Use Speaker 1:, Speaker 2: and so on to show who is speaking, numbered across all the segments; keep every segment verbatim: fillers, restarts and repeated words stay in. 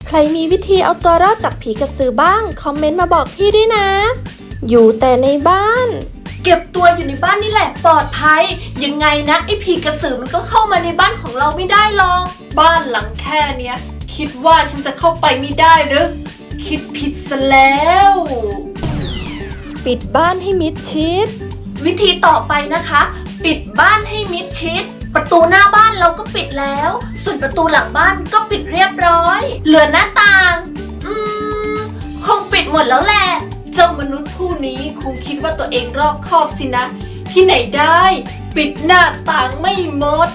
Speaker 1: ใครมีวิธีเอาตัวรอดจากผีกระสือบ้างคอมเมนต์มาบอกพี่ด้วยนะอยู่แต่ในบ้าน
Speaker 2: เก็บตัวอยู่ในบ้านนี่แหละปลอดภัยยังไงนะไอ้ผีกระสือมันก็เข้ามาในบ้านของเราไม่ได้หรอกบ้านหลังแค่เนี้ยคิดว่าฉันจะเข้าไปไม่ได้หรือคิดผิดซะแล้ว
Speaker 1: ปิดบ้านให้มิดชิด
Speaker 2: วิธีต่อไปนะคะปิดบ้านให้มิดชิดประตูหน้าบ้านเราก็ปิดแล้วส่วนประตูหลังบ้านก็ปิดเรียบร้อยเหลือหน้าต่างอืมคงปิดหมดแล้วแหละเจ้ามนุษย์ผู้นี้คงคิดว่าตัวเองรอบคอบสินะที่ไหนได้ปิดหน้าต่างไม่หมด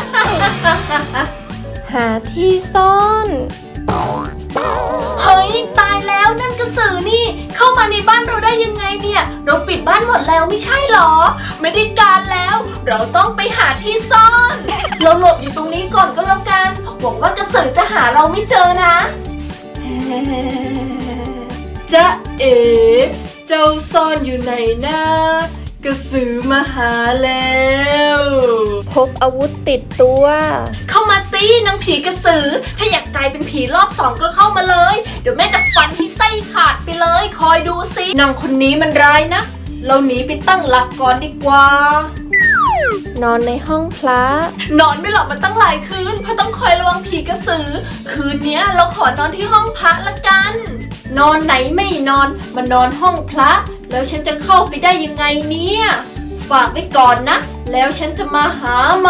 Speaker 1: หาที่ซ่อน
Speaker 2: เฮ้ยตายแล้วนั่นกระสือนี่เข้ามาในบ้านเราได้ยังไงเนี่ยเราปิดบ้านหมดแล้วไม่ใช่หรอไม่ได้การแล้วเราต้องไปหาที่ซ่อนเราหลบอยู่ตรงนี้ก่อนก็แล้วกันหวังว่ากระสือจะหาเราไม่เจอนะจ๊ะเอ๋เจ้าซ่อนอยู่ไหนนะกระสือมาหาแล้ว
Speaker 1: พกอาวุธติดตัว
Speaker 2: เข้ามาสินางผีกระสือถ้าอยากกลายเป็นผีรอบสองก็เข้ามาเลยเดี๋ยวแม่จะฟันให้ไส้ขาดไปเลยคอยดูสินางคนนี้มันร้ายนะเราหนีไปตั้งหลักก่อนดีกว่าน
Speaker 1: อนในห้องพระ
Speaker 2: นอนไม่หลับมาตั้งหลายคืนเพราะต้องคอยระวังผีกระสือคืนนี้เราขอนอนที่ห้องพระละกันนอนไหนไม่นอนมานอนห้องพระแล้วฉันจะเข้าไปได้ยังไงเนี่ยฝากไว้ก่อนนะแล้วฉันจะมาหาไหม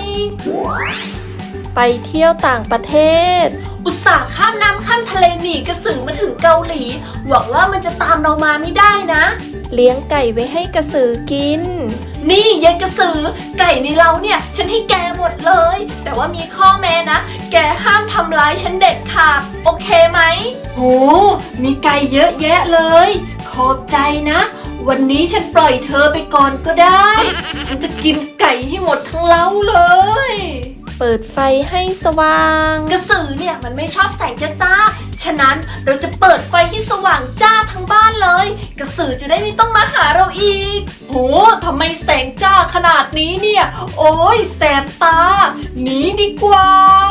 Speaker 1: ไปเที่ยวต่างประเทศ
Speaker 2: อุตส่าห์ข้ามน้ำข้ามทะเลหนีกระสือมาถึงเกาหลีหวังว่ามันจะตามเรามาไม่ได้นะ
Speaker 1: เลี้ยงไก่ไว้ให้กระสือกิน
Speaker 2: นี่ยายกระสือไก่ในเราเนี่ยฉันให้แกหมดเลยแต่ว่ามีข้อแม้นะแกห้ามทำร้ายฉันเด็ดขาดโอเคไหมโหมีไก่เยอะแยะเลยขอบใจนะวันนี้ฉันปล่อยเธอไปก่อนก็ได้ฉันจะกินไก่ให้หมดทั้งเล้าเลย
Speaker 1: เปิดไฟให้สว่าง
Speaker 2: กระสือเนี่ยมันไม่ชอบแสงจ้าๆฉะนั้นเราจะเปิดไฟให้สว่างจ้าทั้งบ้านเลยกระสือจะได้ไม่ต้องมาหาเราอีกโหทำไมแสงจ้าขนาดนี้เนี่ยโอ้ยแสบตาหนีดีกว่า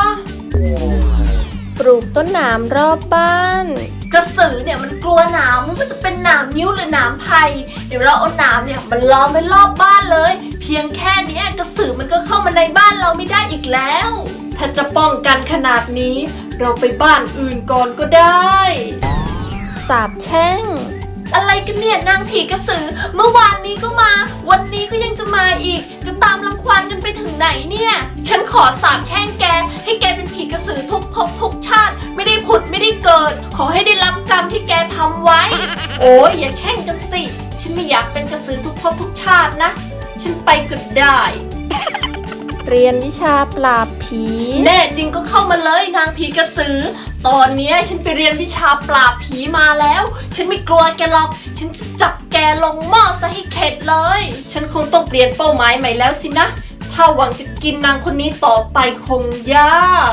Speaker 1: ปลูกต้นหนามรอบบ้าน
Speaker 2: กระสือเนี่ยมันกลัวหนามไม่ว่าจะเป็นหนามนิ้วหรือหนามไผ่เดี๋ยวเราเอาหนามเนี่ยมันล้อมไว้รอบบ้านเลยเพียงแค่นี้กระสือมันก็เข้ามาในบ้านเราไม่ได้อีกแล้วถ้าจะป้องกันขนาดนี้เราไปบ้านอื่นก่อนก็ได้
Speaker 1: สาปแช่ง
Speaker 2: อะไรกันเนี่ยนางผีกระสือเมื่อวานนี้ก็มาวันนี้ก็ยังจะมาอีกจะตามรังควานกันไปถึงไหนเนี่ยฉันขอสาปแช่งแกให้แกเป็นผีกระสือทุกภพทุกชาติไม่ได้ผุดไม่ได้เกิดขอให้ได้รับกรรมที่แกทำไว้โอ้ยอย่าแช่งกันสิฉันไม่อยากเป็นกระสือทุกภพทุกชาตินะฉันไปก็ได้
Speaker 1: เรียนวิชาปราบผี
Speaker 2: แน่จริงก็เข้ามาเลยนางผีกระสือตอนนี้ฉันไปเรียนวิชาปราบผีมาแล้วฉันไม่กลัวแกหรอกฉันจะจับแกลงหม้อซะให้เข็ดเลยฉันคงต้องเปลี่ยนเป้าหมายใหม่แล้วสินะถ้าหวังจะกินนางคนนี้ต่อไปคงยาก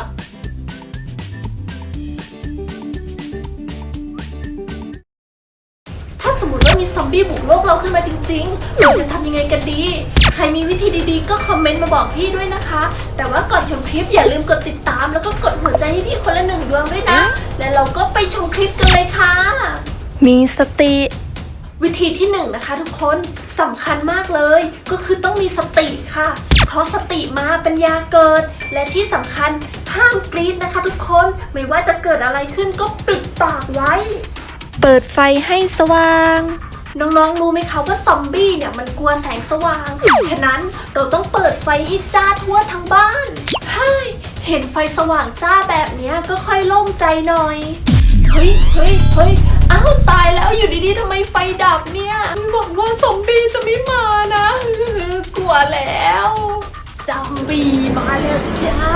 Speaker 2: ถ้าสมมติว่ามีซอมบี้บุกโลกเราขึ้นมาจริงๆเราจะทำยังไงกันดีใครมีวิธีดีๆก็คอมเมนต์มาบอกพี่ด้วยนะคะแต่ว่าก่อนชมคลิปอย่าลืมกดติดตามแล้วก็กดหัวใจให้พี่คนละหนึ่งดวงด้วยนะและเราก็ไปชมคลิปกันเลยค่ะ
Speaker 1: มีสติ
Speaker 2: วิธีที่หนึ่งนะคะทุกคนสำคัญมากเลยก็คือต้องมีสติค่ะเพราะสติมาปัญญาเกิดและที่สำคัญห้ามกรี๊ดนะคะทุกคนไม่ว่าจะเกิดอะไรขึ้นก็ปิดปากไว้
Speaker 1: เปิดไฟให้สว่าง
Speaker 2: น้องๆรู้ไหมคะว่าซอมบี้เนี่ยมันกลัวแสงสว่างฉะนั้นเราต้องเปิดไฟให้จ้าทั่วทั้งบ้านเฮ้ยเห็นไฟสว่างจ้าแบบนี้ก็ค่อยโล่งใจหน่อยเฮ้ยเฮ้ยเฮ้ยอ้าวตายแล้วอยู่ดีๆทำไมไฟดับเนี่ยหวังว่าซอมบี้จะไม่มานะกลัวแล้วซอมบี้มาแล้วจ้า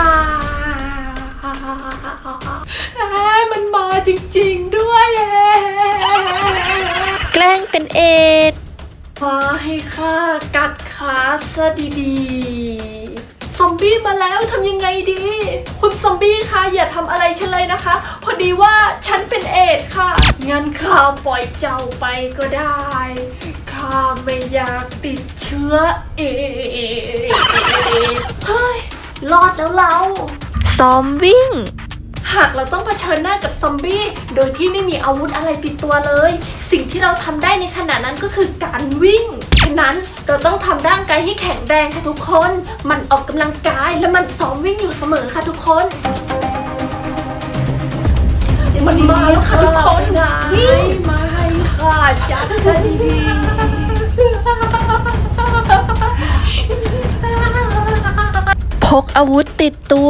Speaker 2: มันมาจริงๆด้วย
Speaker 1: แกล้งเป็นเอด
Speaker 2: มาให้ข้ากัดขาซะดีๆซอมบี้มาแล้วทำยังไงดีคุณซอมบี้คะอย่าทำอะไรฉันเลยนะคะพอดีว่าฉันเป็นเอดค่ะงั้นข้าปล่อยเจ้าไปก็ได้ข้าไม่อยากติดเชื้อเอดเฮ้ยรอดแล้วเรา
Speaker 1: ซ้อมวิ่ง
Speaker 2: หากเราต้องเผชิญหน้ากับซอมบี้โดยที่ไม่มีอาวุธอะไรติดตัวเลย สิ่งที่เราทำได้ในขณะนั้นก็คือการวิ่งฉะนั้นเราต้องทำร่างกายให้แข็งแรงค่ะทุกคนมันออกกำลังกายและมันซ้อมวิ่งอยู่เสมอค่ะทุกคนมันมาแล้วค่ะทุกคนวิ่งมาให้ค่ะจัดซะดีๆ
Speaker 1: พกอาวุธติดตัว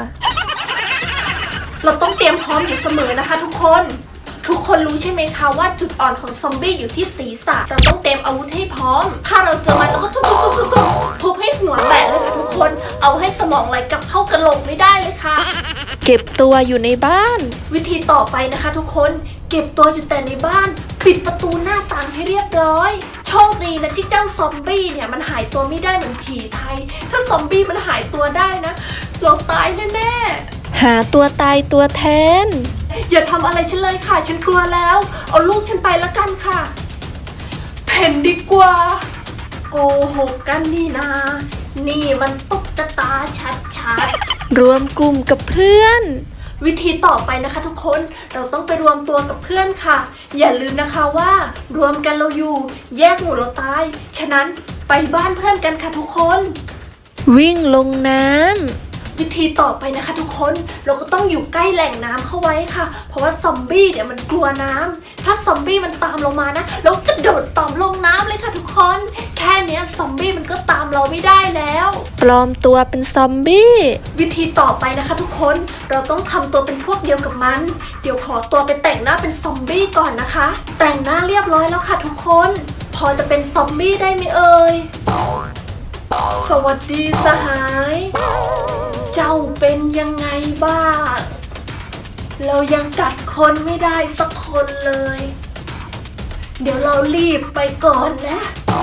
Speaker 2: เราต้องเตรียมพร้อมอยู่เสมอนะคะทุกคนทุกคนรู้ใช่ไหมคะว่าจุดอ่อนของซอมบี้อยู่ที่ศีรษะเราต้องเตรียมอาวุธให้พร้อมถ้าเราเจอมันเราก็ทุบทุบทุบทุบทุบทุบให้หัวแตกเลยค่ะทุกคนเอาให้สมองไหลกลับเข้ากระโหลกไม่ได้เลยค่ะ
Speaker 1: เก็บตัวอยู่ในบ้าน
Speaker 2: วิธีต่อไปนะคะทุกคนเก็บตัวอยู่แต่ในบ้านปิดประตูหน้าต่างให้เรียบร้อยโชคดีนะที่เจ้าซอมบี้เนี่ยมันหายตัวไม่ได้เหมือนผีไทยถ้าซอมบี้มันหายตัวได้นะเราตายแน่ๆ
Speaker 1: หาตัวตายตัวแทน
Speaker 2: อย่าทำอะไรฉันเลยค่ะฉันกลัวแล้วเอาลูกฉันไปละกันค่ะเพ่นดีกว่าโกหกกันนี่นานี่มันตุ๊กตาชัดๆ
Speaker 1: รวมกลุ่มกับเพื่อน
Speaker 2: วิธีต่อไปนะคะทุกคนเราต้องไปรวมตัวกับเพื่อนค่ะอย่าลืมนะคะว่ารวมกันเราอยู่แยกหมู่เราตายฉะนั้นไปบ้านเพื่อนกันค่ะทุกคน
Speaker 1: วิ่งลงน้ำ
Speaker 2: วิธีต่อไปนะคะทุกคนเราก็ต้องอยู่ใกล้แหล่งน้ำเข้าไว้ค่ะเพราะว่าซอมบี้เนี่ยมันกลัวน้ำถ้าซอมบี้มันตามเรามานะเรากระโดดต่อมลงน้ำเลยค่ะทุกคนแค่เนี้ยซอมบี้มันก็ตามเราไม่ได้แล้ว
Speaker 1: ปลอมตัวเป็นซอมบี้
Speaker 2: วิธีต่อไปนะคะทุกคนเราต้องทำตัวเป็นพวกเดียวกับมันเดี๋ยวขอตัวไปแต่งหน้าเป็นซอมบี้ก่อนนะคะ แต่งหน้าเรียบร้อยแล้วค่ะทุกคนพอจะเป็นซอมบี้ได้ไหมเอ่ยสวัสดีสหายเจ้าเป็นยังไงบ้างเรายังกัดคนไม่ได้สักคนเลยเดี๋ยวเรารีบไปก่อนนะ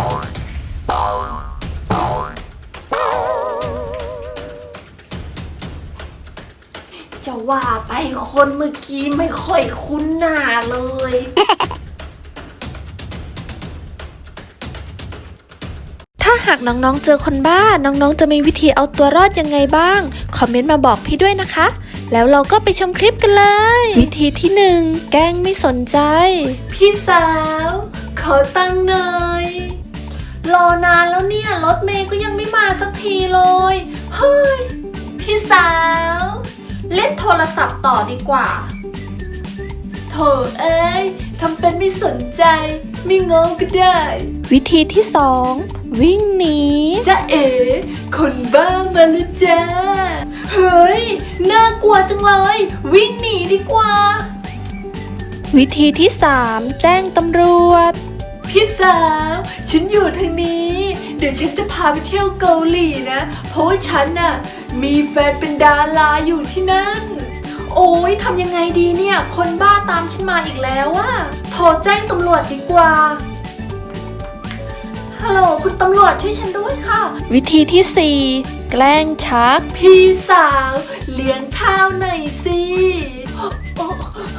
Speaker 2: จะว่าไปคนเมื่อกี้ไม่ค่อยคุ้นหน้าเลย
Speaker 1: ถ้าหากน้องๆเจอคนบ้า น้องๆจะมีวิธีเอาตัวรอดยังไงบ้าง คอมเมนต์มาบอกพี่ด้วยนะคะ แล้วเราก็ไปชมคลิปกันเลย วิธีที่หนึ่งแกล้งไม่สนใจ
Speaker 2: พี่สาวขอตังค์หน่อยรอนานแล้วเนี่ยรถเมย์ก็ยังไม่มาสักทีเลยเฮ้ยพี่สาวเล่นโทรศัพท์ต่อดีกว่าโถเอ้ยทำเป็นไม่สนใจไม่งงก็ได้
Speaker 1: วิธีที่สองวิ่งหนี
Speaker 2: จะเอ๋คนบ้ามาแล้วจ้าเฮ้ยน่ากลัวจังเลยวิ่งหนีดีกว่า
Speaker 1: วิธีที่สามแจ้งตำรวจ
Speaker 2: พี่สาวฉันอยู่ทางนี้เดี๋ยวฉันจะพาไปเที่ยวเกาหลีนะเพราะว่าฉันน่ะมีแฟนเป็นดาราอยู่ที่นั่นโอ้ยทำยังไงดีเนี่ยคนบ้าตามฉันมาอีกแล้วอะโทรแจ้งตำรวจดีกว่าฮัลโหลคุณตำรวจช่วยฉันด้วยค่ะ
Speaker 1: วิธีที่สี่แกล้งชัก
Speaker 2: พี่สาวเลี้ยงข้าวหน่อยสิโอ้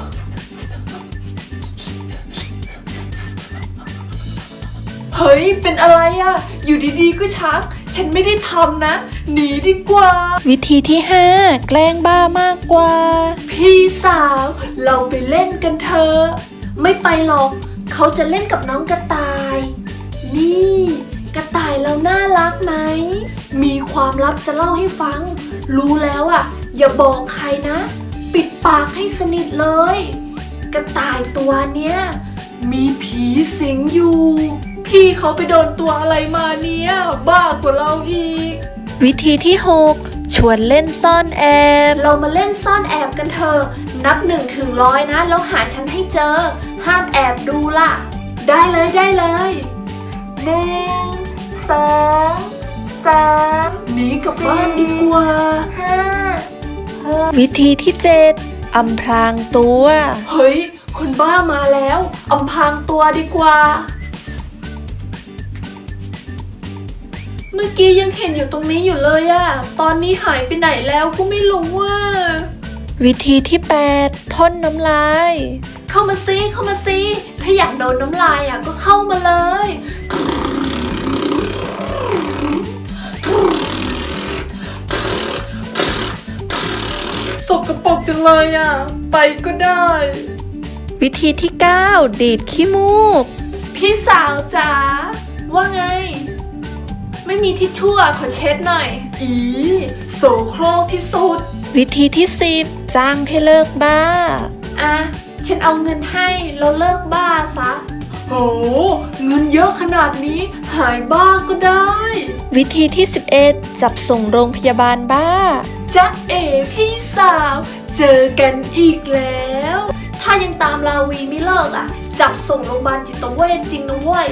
Speaker 2: เฮ้ยเป็นอะไรอะอยู่ดีๆก็ชักฉันไม่ได้ทำนะหนีดีกว่า
Speaker 1: วิธีที่ห้าแกล้งบ้ามากกว่า
Speaker 2: พี่สาวเราไปเล่นกันเถอะไม่ไปหรอกเขาจะเล่นกับน้องกระต่าย นี่กระต่ายเราน่ารักไหมมีความลับจะเล่าให้ฟังรู้แล้วอ่ะอย่าบอกใครนะปิดปากให้สนิทเลยกระต่ายตัวเนี้ยมีผีสิงอยู่พี่เขาไปโดนตัวอะไรมาเนี่ยบ้ากว่าเราอีก
Speaker 1: วิธีที่หกชวนเล่นซ่อนแอบ
Speaker 2: เรามาเล่นซ่อนแอบกันเถอะนับหนึ่งถึงร้อยนะแล้วหาฉันให้เจอห้ามแอบดูล่ะได้เลยได้เลยหนึ่งสองสามหนีกลับบ้านดีกว่าห้า
Speaker 1: วิธีที่เจ็ดอำพรางตัว
Speaker 2: เฮ้ยคนบ้ามาแล้วอำพรางตัวดีกว่าเมื่อกี้ยังเห็นอยู่ตรงนี้อยู่เลยอะตอนนี้หายไปไหนแล้วก็ไม่รู้ว่า
Speaker 1: วิธีที่แปดพ่นน้ำลาย
Speaker 2: เข้ามาซิเข้ามาซิถ้าอยากโดนน้ำลายอะก็เข้ามาเลยสกปรกจังเลยอ่ะไปก็ได้
Speaker 1: วิธีที่ เก้า ดีดขี้มูก
Speaker 2: พี่สาวจ๋าว่าไง ไม่มีทิชชู่อะขอเช็ดหน่อย อีโสโครกที่สุด
Speaker 1: วิธีที่ สิบ จ้างให้เลิกบ้า
Speaker 2: อ่ะ ฉันเอาเงินให้แล้วเลิกบ้าซะโหเงินเยอะขนาดนี้หายบ้าก็ได้
Speaker 1: วิธีที่ สิบเอ็ด จับส่งโรงพยาบาลบ้า
Speaker 2: จ๊ะเอ๋พี่สาว เจอกันอีกแล้ว ถ้ายังตามลาวีไม่เลิกอ่ะ จับส่งโรงพยาบาลจิตเวชจริงนะเว้ย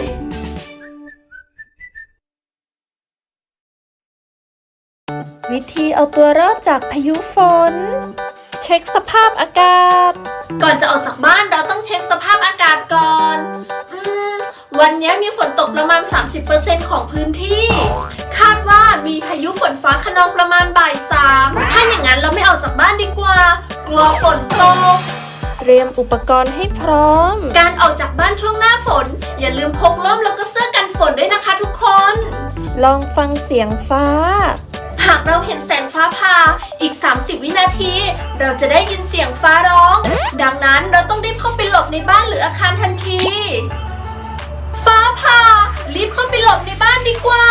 Speaker 1: วิธีเอาตัวรอดจากพายุฝน เช็คสภาพอากาศ
Speaker 2: ก่อนจะออกจากบ้านเราต้องเช็คสภาพอากาศก่อน อืม วันนี้มีฝนตกประมาณ สามสิบเปอร์เซ็นต์ ของพื้นที่ คาดว่ามีพายุฝนฟ้าคะนองประมาณบ่ายสามถ้าอย่างนั้นเราไม่ออกจากบ้านดีกว่า กลัวฝนตก
Speaker 1: เตรียมอุปกรณ์ให้พร้อม
Speaker 2: การออกจากบ้านช่วงหน้าฝน อย่าลืมพกร่มแล้วก็เสื้อกันฝนด้วยนะคะทุกคน
Speaker 1: ลองฟังเสียงฟ้า
Speaker 2: หากเราเห็นแสงฟ้าผ่าอีก สามสิบ วินาที เราจะได้ยินเสียงฟ้าร้อง ดังนั้นเราต้องรีบเข้าไปหลบในบ้านหรืออาคารทันที ฟ้าผ่ารีบเข้าไปหลบในบ้านดีกว่า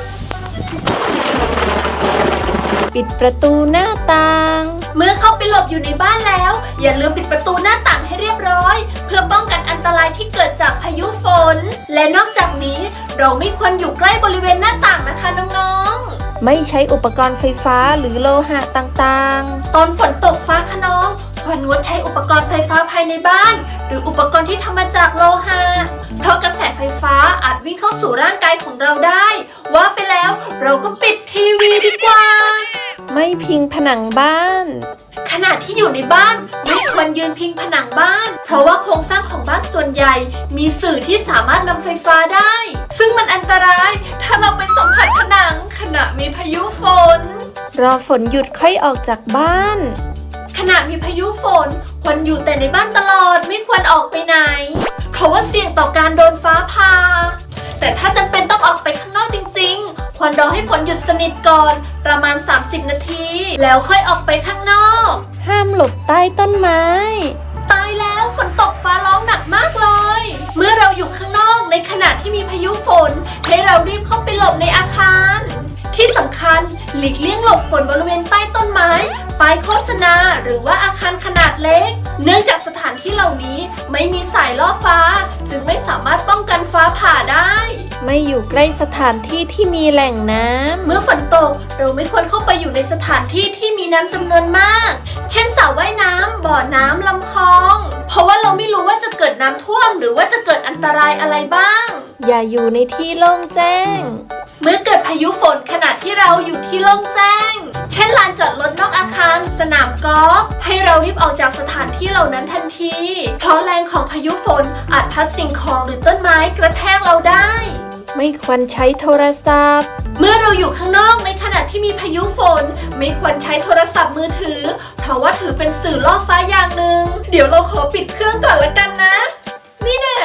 Speaker 1: ปิดประตูหน้าต่าง
Speaker 2: เมื่อเข้าไปหลบอยู่ในบ้านแล้ว อย่าลืมปิดประตูหน้าต่างให้เรียบร้อย เพื่อป้องกันอันตรายที่เกิดจากพายุฝน และนอกจากนี้เราไม่ควรอยู่ใกล้บริเวณหน้าต่างนะคะน้องๆ
Speaker 1: ไม่ใช้อุปกรณ์ไฟฟ้าหรือโลหะต่าง
Speaker 2: ตอนฝนตกฟ้าคะนองควรงดใช้อุปกรณ์ไฟฟ้าภายในบ้าน หรืออุปกรณ์ที่ทำมาจากโลหะเพราะกระแสไฟฟ้าอาจวิ่งเข้าสู่ร่างกายของเราได้ ว่าไปแล้วเราก็ปิดทีวีดีกว่า
Speaker 1: ๆ ไม่พิงผนังบ้าน
Speaker 2: ขณะที่อยู่ในบ้านไม่ควรยืนพิงผนังบ้าน เพราะว่าโครงสร้างของบ้านส่วนใหญ่ มีสื่อที่สามารถนำไฟฟ้าได้ ซึ่งมันอันตรายถ้าเราไปสัมผัสผนังขณะมีพายุฝน
Speaker 1: รอฝนหยุดค่อยออกจากบ้าน
Speaker 2: ขณะมีพายุฝนควรอยู่แต่ในบ้านตลอดไม่ควรออกไปไหน เพราะว่าเสี่ยงต่อการโดนฟ้าผ่าแต่ถ้าจำเป็นต้องออกไปข้างนอกจริงๆควรรอให้ฝนหยุดสนิทก่อนประมาณ สามสิบ นาที แล้วค่อยออกไปข้างนอก
Speaker 1: ห้ามหลบใต้ต้นไม้
Speaker 2: ตายแล้วฝนตกฟ้าร้องหนักมากเลย เมื่อเราอยู่ข้างนอกในขณะที่มีพายุฝนให้เรารีบเข้าไปหลบในอาคาร ที่สำคัญหลีกเลี่ยงหลบฝนบริเวณใต้ต้นไม้ป้ายโฆษณาหรือว่าอาคารขนาดเล็ก เนื่องจากสถานที่เหล่านี้ไม่มีสายล่อฟ้า จึงไม่สามารถป้องกันฟ้าผ่าได้
Speaker 1: ไม่อยู่ใกล้สถานที่ที่มีแหล่งน้ำ
Speaker 2: เมื่อฝนตกเราไม่ควรเข้าไปอยู่ในสถานที่ที่มีน้ำจำนวนมาก เช่นสระว่ายน้ำบ่อน้ำลำคลอง เพราะว่าเราไม่รู้ว่าจะเกิดน้ำท่วมหรือว่าจะเกิดอันตรายอะไรบ้าง
Speaker 1: อย่าอยู่ในที่โล่งแจ้ง
Speaker 2: เมื่อเกิดพายุฝนขณะที่เราอยู่ที่โล่งแจ้ง เช่นลานจอดรถนอกอาคารสนามกอล์ฟให้เรารีบออกจากสถานที่เหล่านั้นทันที เพราะแรงของพายุฝนอาจพัดสิ่งของหรือต้นไม้กระแทกเราได้
Speaker 1: ไม่ควรใช้โทรศัพท์
Speaker 2: เมื่อเราอยู่ข้างนอกในขณะที่มีพายุฝนไม่ควรใช้โทรศัพท์มือถือ เพราะว่าถือเป็นสื่อล่อฟ้าอย่างหนึ่งเดี๋ยวเราขอปิดเครื่องก่อนละกันนะ นี่แน่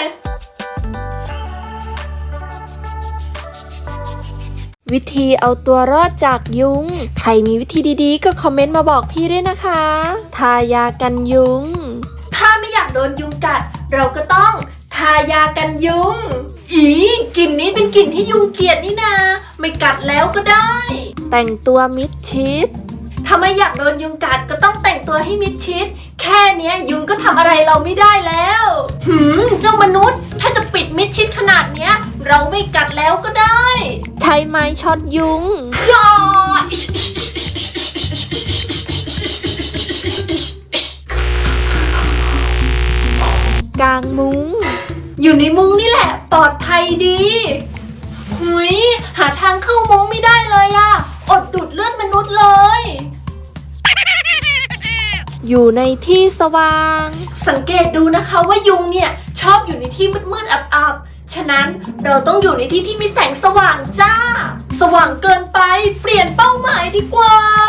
Speaker 1: วิธีเอาตัวรอดจากยุง ใครมีวิธีดีๆก็คอมเมนต์มาบอกพี่ด้วยนะคะ ทายากันยุง
Speaker 2: ถ้าไม่อยากโดนยุงกัด เราก็ต้องทายากันยุง อีกลิ่นนี้เป็นกลิ่นที่ยุงเกลียดนี่นาไม่กัดแล้วก็ได้
Speaker 1: แต่งตัวมิดชิด
Speaker 2: ถ้าไม่อยากโดนยุงกัดก็ต้องแต่งตัวให้มิดชิด แค่เนี้ยยุงก็ทำอะไรเราไม่ได้แล้วหืมเจ้ามนุษย์ ถ้าจะปิดมิดชิดขนาดเนี้ย เราไม่กัดแล้วก็ได้
Speaker 1: ใช้ไม้ช็อตยุง
Speaker 2: ย่า
Speaker 1: กางมุ้ง
Speaker 2: อยู่ในมุ้งนี่แหละปลอดภัยดีหุยหาทางเข้ามุ้งไม่ได้เลยอะอดดูดเลือดมนุษย์เลย
Speaker 1: อยู่ในที่สว่าง
Speaker 2: สังเกตดูนะคะว่ายุงเนี่ยชอบอยู่ในที่มืดๆอับๆฉะนั้นเราต้องอยู่ในที่ที่มีแสงสว่างจ้า สว่างเกินไปเปลี่ยนเป้าหมายดีกว่า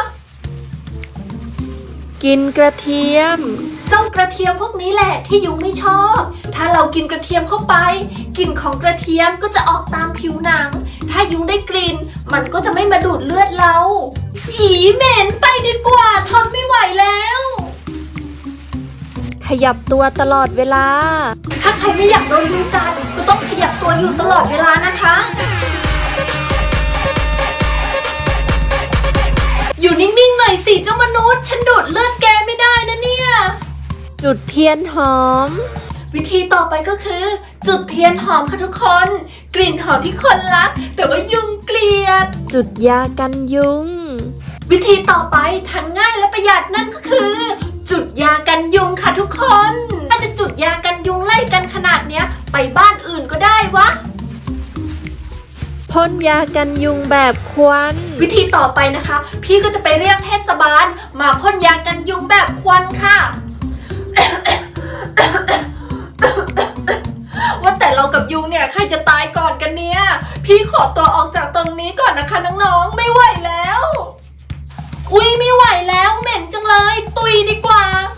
Speaker 1: กินกระเทียม
Speaker 2: เจ้ากระเทียมพวกนี้แหละที่ยุงไม่ชอบ ถ้าเรากินกระเทียมเข้าไปกลิ่นของกระเทียมก็จะออกตามผิวหนัง ถ้ายุงได้กลิ่นมันก็จะไม่มาดูดเลือดเราอีเหม็นไปดีกว่าทนไม่ไหวแล้ว
Speaker 1: ยับตัวตลอดเวลา
Speaker 2: ถ้าใครไม่อยากโดนยุงกัดก็ต้องขยับตัวอยู่ตลอดเวลานะคะ อยู่นิ่งๆหน่อยสิเจ้ามนุษย์ฉันดูดเลือดแกไม่ได้นะเนี่ย
Speaker 1: จุดเทียนหอม
Speaker 2: วิธีต่อไปก็คือ จุดเทียนหอมค่ะทุกคน กลิ่นหอมที่คนรักแต่ว่ายุงเกลียด
Speaker 1: จุดยากันยุง
Speaker 2: วิธีต่อไปทั้งง่ายและประหยัดนั่นก็คือ จุดยากันยุงค่ะทุกคน ถ้าจะจุดยากันยุงไล่กันขนาดเนี้ยไปบ้านอื่นก็ได้วะ
Speaker 1: พ่นยากันยุงแบบควัน
Speaker 2: วิธีต่อไปนะคะ พี่ก็จะไปเรียกเทศบาลมาพ่นยากันยุงแบบควันค่ะ ว่าแต่เรากับยุงเนี่ยใครจะตายก่อนกันเนี่ย พี่ขอตัวออกจากตรงนี้ก่อนนะคะน้องๆไม่ไหวแล้ว อุ๊ยไม่ไหวแล้วเหม็นจังเลยตุยดีกว่า